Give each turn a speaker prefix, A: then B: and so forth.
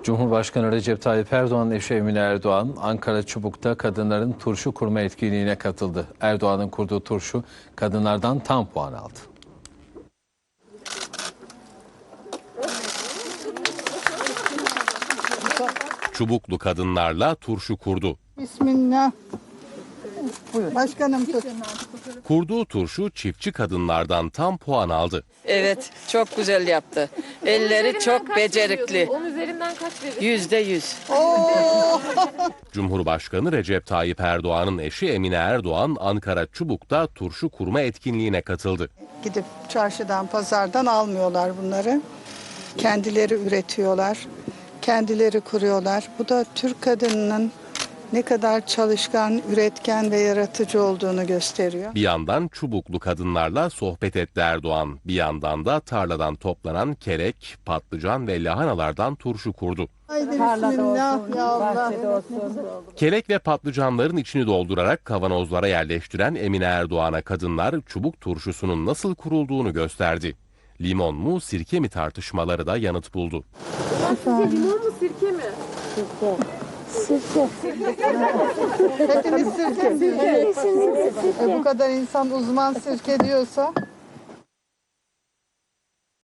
A: Cumhurbaşkanı Recep Tayyip Erdoğan'ın eşi Emine Erdoğan, Ankara Çubuk'ta kadınların turşu kurma etkinliğine katıldı. Erdoğan'ın kurduğu turşu kadınlardan tam puan aldı.
B: Çubuklu kadınlarla turşu kurdu.
C: Bismillah. Buyur. Başkanım tut.
B: Kurduğu turşu çiftçi kadınlardan tam puan aldı.
D: Evet, çok güzel yaptı. Elleri çok becerikli.
E: 10 üzerinden kaç verir?
D: %100.
B: Cumhurbaşkanı Recep Tayyip Erdoğan'ın eşi Emine Erdoğan, Ankara Çubuk'ta turşu kurma etkinliğine katıldı.
C: Gidip çarşıdan, pazardan almıyorlar bunları. Kendileri üretiyorlar. Kendileri kuruyorlar. Bu da Türk kadınının ne kadar çalışkan, üretken ve yaratıcı olduğunu gösteriyor.
B: Bir yandan Çubuklu kadınlarla sohbet etti Erdoğan. Bir yandan da tarladan toplanan kelek, patlıcan ve lahanalardan turşu kurdu.
C: Haydi bismillah ya Allah.
B: Kelek ve patlıcanların içini doldurarak kavanozlara yerleştiren Emine Erdoğan'a kadınlar çubuk turşusunun nasıl kurulduğunu gösterdi. Limon mu, sirke mi tartışmaları da yanıt buldu.
E: Sizce limon mu sirke mi?
C: Hepiniz sirke mi? Bu kadar insan uzman sirke diyorsa.